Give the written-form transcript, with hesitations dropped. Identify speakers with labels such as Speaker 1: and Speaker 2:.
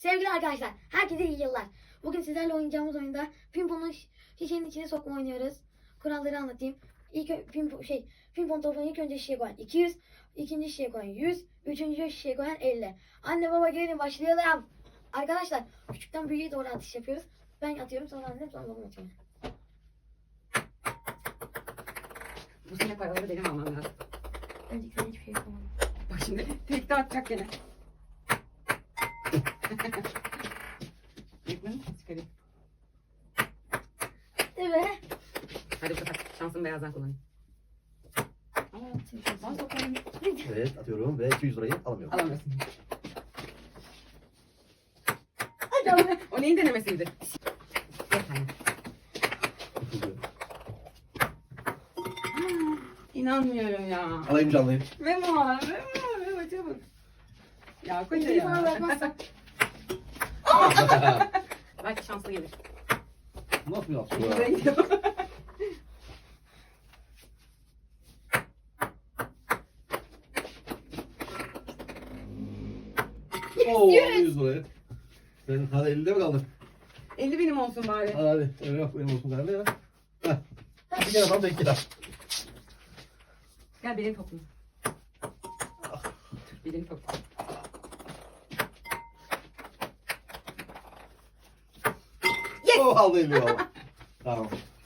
Speaker 1: Sevgili arkadaşlar, herkese iyi yıllar. Bugün sizlerle oynayacağımız oyunda pimponu şişenin içine sokma oynuyoruz. Kuralları anlatayım. Pimpon topunu ilk önce şişeye koyan 200, ikinci şişeye koyan 100, üçüncü şişeye koyan 50. Anne baba gelin başlayalım. Arkadaşlar, küçükten büyüğe doğru atış yapıyoruz. Ben atıyorum, sonra annem, sonra babam atıyor.
Speaker 2: Bu sene paraları benim almam lazım.
Speaker 1: Önceki sene hiçbir şey yapamadım.
Speaker 2: Bak şimdi tekte atacak gene. Yıkmadın mı? Çıkarayım.
Speaker 1: Evet.
Speaker 2: Hadi bu sefer şansımı beyazdan kullanayım. Aa, sokayım.
Speaker 3: Evet atıyorum ve 200 lirayı alamıyorum.
Speaker 2: Alamıyorsun.
Speaker 1: Hadi.
Speaker 2: O neyin denemesiydi? Yeter. İnanmıyorum ya.
Speaker 3: Alayım canlıyım.
Speaker 2: Memo çabuk. Ya koca
Speaker 1: Bir bana
Speaker 2: ya.
Speaker 1: bırakmazsan.
Speaker 2: Belki şanslı gelir.
Speaker 3: Nasıl bir yapsın
Speaker 2: Güzel
Speaker 3: ya?
Speaker 2: gidiyor.
Speaker 3: Oo 100 lirayı. Sen hadi 50'de mi kaldın?
Speaker 2: 50 benim olsun bari.
Speaker 3: Hadi öyle yok benim olsun galiba ya. Heh. Bir kere tam denk gider.
Speaker 2: Gel benim topum. Benim topum.
Speaker 3: Oh aldı 50 valla. Tamam.